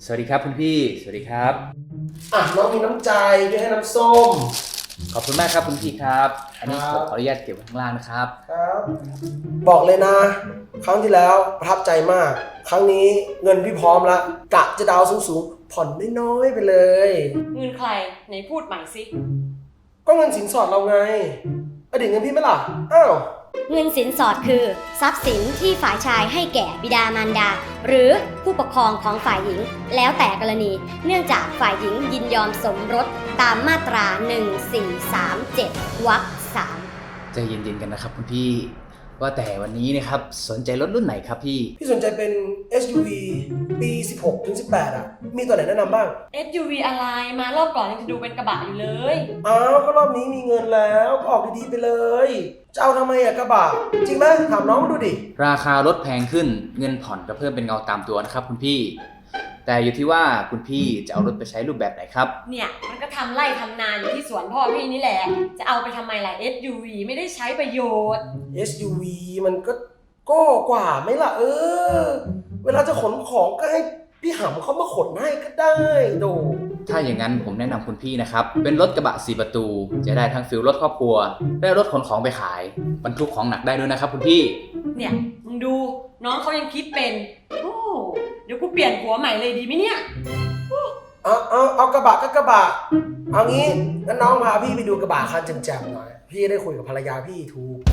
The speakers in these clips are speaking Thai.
สวัสดีครับคุณพี่สวัสดีครับน้องมีน้ำใจด้วยให้น้ำส้มขอบคุณมากครับคุณพี่ครับอันนี้ครับขออนุญาตเก็บไว้ข้างล่างนะครับครับบอกเลยนะ ครั้งที่แล้วประทับใจมาก ครั้งนี้เงินพี่พร้อมละกะจะดาวสูงๆผ่อนน้อยๆไปเลยเงินใครไหนพูดใหม่สิก็เงินสินสอดเราไงอดีตเงินพี่ไหมล่ะอ้าวเงินสินสอดคือทรัพย์สินที่ฝ่ายชายให้แก่บิดามารดา หรือผู้ปกครองของฝ่ายหญิง แล้วแต่กรณี เนื่องจากฝ่ายหญิงยินยอมสมรสตามมาตรา 1437 วรรค 3 ใจเย็นๆกันนะครับคุณพี่ว่าแต่วันนี้นะครับสนใจรถรุ่นไหนครับพี่พี่สนใจเป็น SUV ปี 16 ถึง 18 มีตัวไหนแนะนำบ้าง SUV อะไรมารอบก่อนยังจะดูเป็นกระบะอยู่เลยก็รอบนี้มีเงินแล้วก็ออกดีๆไปเลยจะเอาทำไมกระบะจริงไหมถามน้องมาดูดิราคารถแพงขึ้นเงินผ่อนก็เพิ่มเป็นเงาตามตัวนะครับคุณพี่แต่อยู่ที่ว่าคุณพี่จะเอารถไปใช้รูปแบบไหนครับเนี่ยมันก็ทำไร่ทำนาอยู่ที่สวนพ่อพี่นี่แหละจะเอาไปทำไมล่ะ SUV ไม่ได้ใช้ประโยชน์ SUV มันก็กว่าไหมล่ะเวลาจะขนของก็ให้พี่หำเขามาขนให้ก็ได้โดถ้าอย่างนั้นผมแนะนำคุณพี่นะครับเป็นรถกระบะ4ประตูจะได้ทั้งฟิลรถครอบครัวได้รถขนของไปขายบรรทุกของหนักได้ด้วยนะครับคุณพี่เนี่ยมึงดูน้องเขายังคิดเป็นโอ้เดี๋ยวกูเปลี่ยนหัวใหม่เลยดีไหมเนี่ยเอากระบะก็กระบะเอางี้งั้นน้องพาพี่ไปดูกระบะคันแจ่มๆหน่อยพี่ได้คุยกับภรรยาพี่ถูก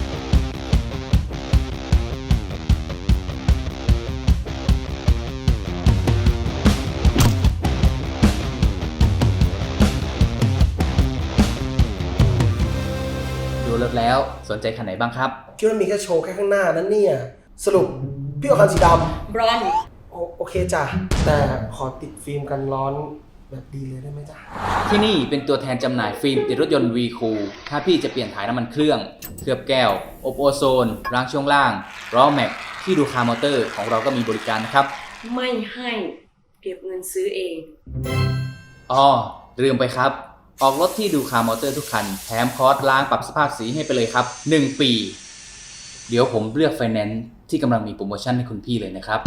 ดูรถแล้วสนใจคันไหนบ้างครับคิดว่ามีแค่โชว์แค่ข้างหน้านั้นเนี่ยสรุปพี่เอาคันสีดำบรอนโอเคจ้ะแต่ขอติดฟิล์มกันร้อนแบบดีเลยได้ไหมจ๊ะที่นี่เป็นตัวแทนจำหน่ายฟิล์มติดรถยนต์ V Cool ถ้าพี่จะเปลี่ยนถ่ายน้ำมันเครื่องเคลือบแก้วอบโอโซนรางช่วงล่างล้อแม็กที่ดูคามอเตอร์ของเราก็มีบริการนะครับไม่ให้เก็บเงินซื้อเองลืมไปครับออกรถที่ดูคามอเตอร์ทุกคันแถมคอร์สล้างปรับสภาพสีให้ไปเลยครับ1 ปีเดี๋ยวผมเลือกไฟแนนซ์ที่กำลังมีโปรโมชั่นให้คุณพี่เลยนะครับ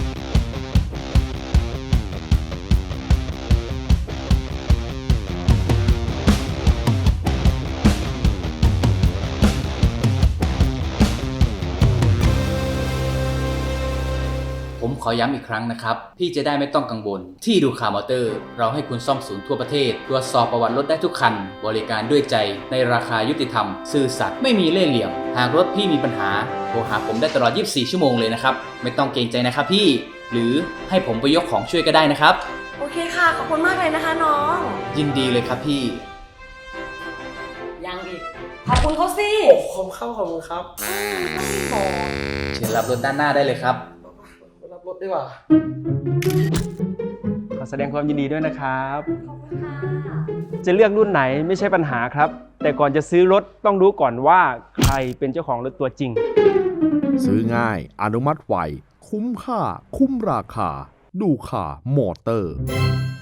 ผมขอย้ำอีกครั้งนะครับพี่จะได้ไม่ต้องกังวลที่ดูคาร์มอเตอร์เราให้คุณซ่อมศูนย์ทั่วประเทศตรวจสอบประวัติรถได้ทุกคันบริการด้วยใจในราคายุติธรรมซื่อสัตย์ไม่มีเล่ห์เหลี่ยมหากรถพี่มีปัญหาโทรหาผมได้ตลอด24ชั่วโมงเลยนะครับไม่ต้องเกรงใจนะครับพี่หรือให้ผมไปยกของช่วยก็ได้นะครับโอเคค่ะขอบคุณมากเลยนะคะน้องยินดีเลยครับพี่ยังอีกขอบคุณเขาสิขอบคุณครับเชิญรับรถด้านหน้าได้เลยครับรับรถดีกว่าขอแสดงความยินดีด้วยนะครับขอบคุณค่ะจะเลือกรุ่นไหนไม่ใช่ปัญหาครับ แต่ก่อนจะซื้อรถต้องรู้ก่อนว่าใครเป็นเจ้าของรถตัวจริงซื้อง่ายอนุมัติไวคุ้มค่าคุ้มราคาดูค่ามอเตอร์